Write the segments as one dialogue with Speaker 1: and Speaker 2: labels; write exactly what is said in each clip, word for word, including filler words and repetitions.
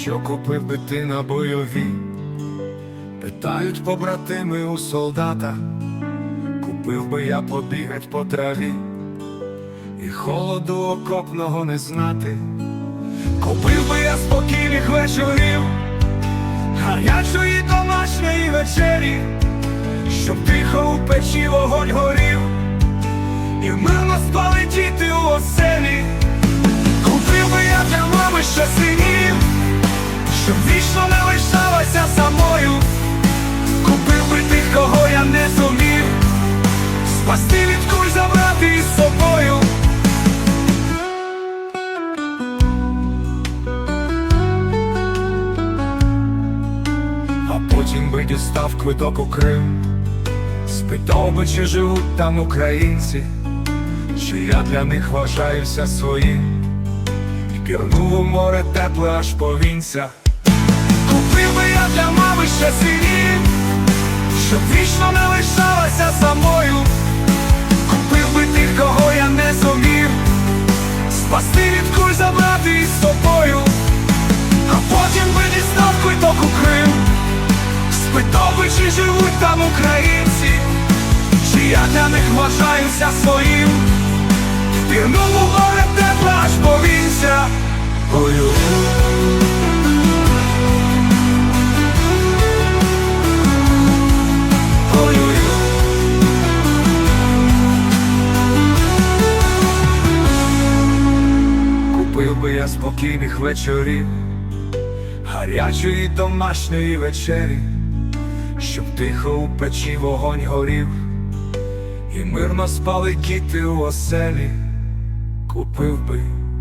Speaker 1: Що купив би ти на бойові? Питають побратими у солдата. Купив би я побігать по траві і холоду окопного не знати. Купив би я спокійних вечорів, гарячої домашньої вечері, щоб тихо у печі вогонь горів і мирно спали діти у оселі. Купив би я для мами ще синів, щоб вічно не лишалася самою. Купив би тих, кого я не зумів спасти від куль, забрати із собою. А потім би дістав квиток у Крим, спитав би, чи живуть там українці, чи я для них вважаюся своїм, і пірнув у море тепле аж по вінця. Купив би я для мами ще синів, щоб вічно не лишалася самою. Купив би тих, кого я не зумів спасти від куль, забрати із собою. А потім би дістав квиток у Крим, спитав би, чи живуть там українці, чи я для них вважаюся своїм, пірнув у море тепле аж по вінця. Ой-ой. Купив би я спокійних вечорів, гарячої домашньої вечері, щоб тихо у печі вогонь горів і мирно спали діти у оселі. Купив би.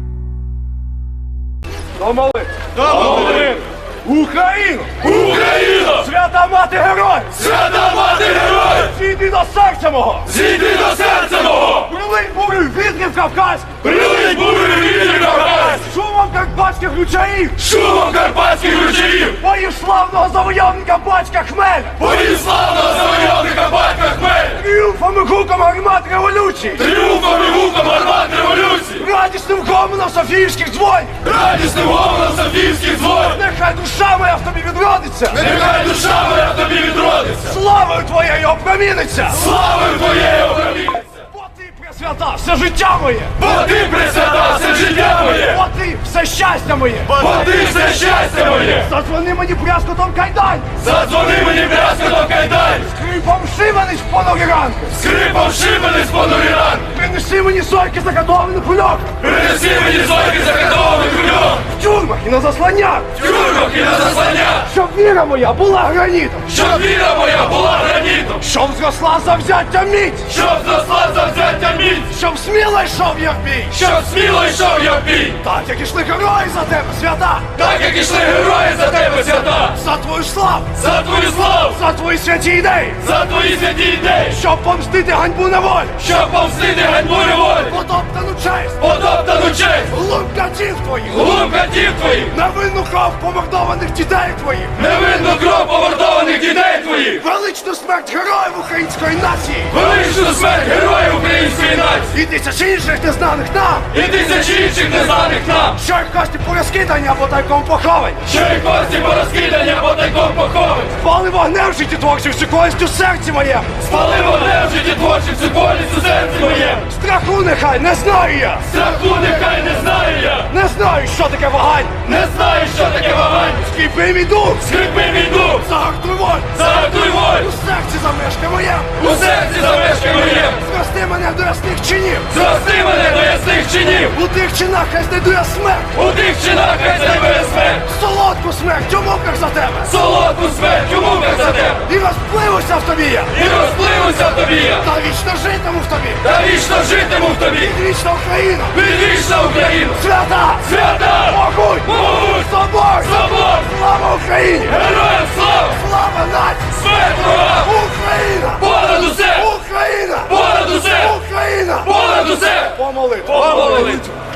Speaker 2: Домоли!
Speaker 3: Домоли!
Speaker 2: Україну!
Speaker 3: Україна!
Speaker 2: Свята мати героїв!
Speaker 3: Свята мати героїв!
Speaker 2: Зійди до серця мого!
Speaker 3: Зійди до серця мого!
Speaker 2: Прилинь бурю вітрів кавказьких!
Speaker 3: Прилинь бурю вітрів кавказьких!
Speaker 2: Шумом карпатських ручаїв!
Speaker 3: Шумом карпатських ручаїв!
Speaker 2: Боїв славного завойовника батька Хмеля!
Speaker 3: Боїв славного завойовника батька Хмеля!
Speaker 2: Тріумфом і гуком гармат революції!
Speaker 3: Тріумфом і гуком гармат революції!
Speaker 2: Радісним гомоном Софіївських дзвонів!
Speaker 3: Радісним гомоном Софіївських дзвонів!
Speaker 2: Нехай душа моя в тобі відродиться!
Speaker 3: Нехай душа моя в тобі відродиться!
Speaker 2: Славою твоєю опроміниться!
Speaker 3: Славою твоєю опроміниться!
Speaker 2: Бо ти, Пресвята, все життя моє!
Speaker 3: Бо ти, Пресвята, все життя моє!
Speaker 2: Бо ти, все щастя моє!
Speaker 3: Бо ти, все щастя моє!
Speaker 2: Задзвони мені брязкотом кайдань!
Speaker 3: Задзвони мені брязкотом кайдань!
Speaker 2: Скрипом шибаний в понурі ранки!
Speaker 3: Скрипом шибаний з понурі ранки!
Speaker 2: Принеси мені сойки заготовлених кульок!
Speaker 3: Принеси мені зойки закатованих кульок!
Speaker 2: В тюрмах і на засланнях!
Speaker 3: В тюрмах і на заслання!
Speaker 2: Щоб віра моя була гранітом!
Speaker 3: Щоб віра моя була гранітом!
Speaker 2: Щоб зросла завзяття міць!
Speaker 3: Щоб зросла завзяття міць!
Speaker 2: Щоб сміло йшов я в бій!
Speaker 3: Щоб сміло йшов я в бій!
Speaker 2: Так, як ішли герої за тебе, свята!
Speaker 3: Так, як ішли герої за тебе, свята!
Speaker 2: За твою славу!
Speaker 3: За твою славу!
Speaker 2: За твої святі ідеї!
Speaker 3: За твої святі ідеї!
Speaker 2: Щоб помстити ганьбу неволі!
Speaker 3: Щоб помстити ганьбу неволі!
Speaker 2: Потоптану честь!
Speaker 3: Потоптану честь!
Speaker 2: Глум катів твоїх!
Speaker 3: Глум катів твоїх!
Speaker 2: Невинну кров помордованих дітей твоїх!
Speaker 3: Невинну кров помордованих дітей твоїх!
Speaker 2: Величну смерть героїв української нації!
Speaker 3: Величну смерть героїв української нації!
Speaker 2: І тисяч інших незнаних нам!
Speaker 3: І тисячі інших незнаних нам!
Speaker 2: Що їх кості порозкидані або тайком поховані!
Speaker 3: Що і кості порозкидані або тайком поховані!
Speaker 2: Спали вогнем в житті творчим всю користь у серці моєму!
Speaker 3: Спали вогнем в житті творчим всю болість у серці моєму!
Speaker 2: Страху нехай не знаю я!
Speaker 3: Страху нехай не знаю я!
Speaker 2: Не знаю, що таке вагань!
Speaker 3: Не знаю, що таке вагань!
Speaker 2: Скріпи мій дух!
Speaker 3: Скрипи мій дух!
Speaker 2: Загартуй волю!
Speaker 3: Загартуй волю!
Speaker 2: У серці замешкай моєму!
Speaker 3: У серці замешкай моєму!
Speaker 2: Зрости мене до ясних чинів!
Speaker 3: Зрости мене до ясних чинів!
Speaker 2: У тих чинах хай знайду я смерть!
Speaker 3: У тих чинах хай знайде смерть!
Speaker 2: Солодку смерть у муках за тебе!
Speaker 3: Солодку смерть у муках за тебе!
Speaker 2: І розпливуся в тобі я!
Speaker 3: І розпливуся в тобі я!
Speaker 2: Та вічно житиму в тобі!
Speaker 3: Та вічно житиму в тобі!
Speaker 2: Вічна Україна!
Speaker 3: Відвічна Україну!
Speaker 2: Свята!
Speaker 3: Свята!
Speaker 2: Могуть!
Speaker 3: Могуть!
Speaker 2: Собор!
Speaker 3: Собор!
Speaker 2: Слава Україні!
Speaker 3: Героям слава!
Speaker 2: Слава нації!
Speaker 3: Смерть ворогам!
Speaker 2: Україна!
Speaker 3: Понад усе!
Speaker 2: Україна!
Speaker 3: Понад усе!
Speaker 2: Україна!
Speaker 3: Понад усе!
Speaker 2: Помолитва!
Speaker 3: Помолитва!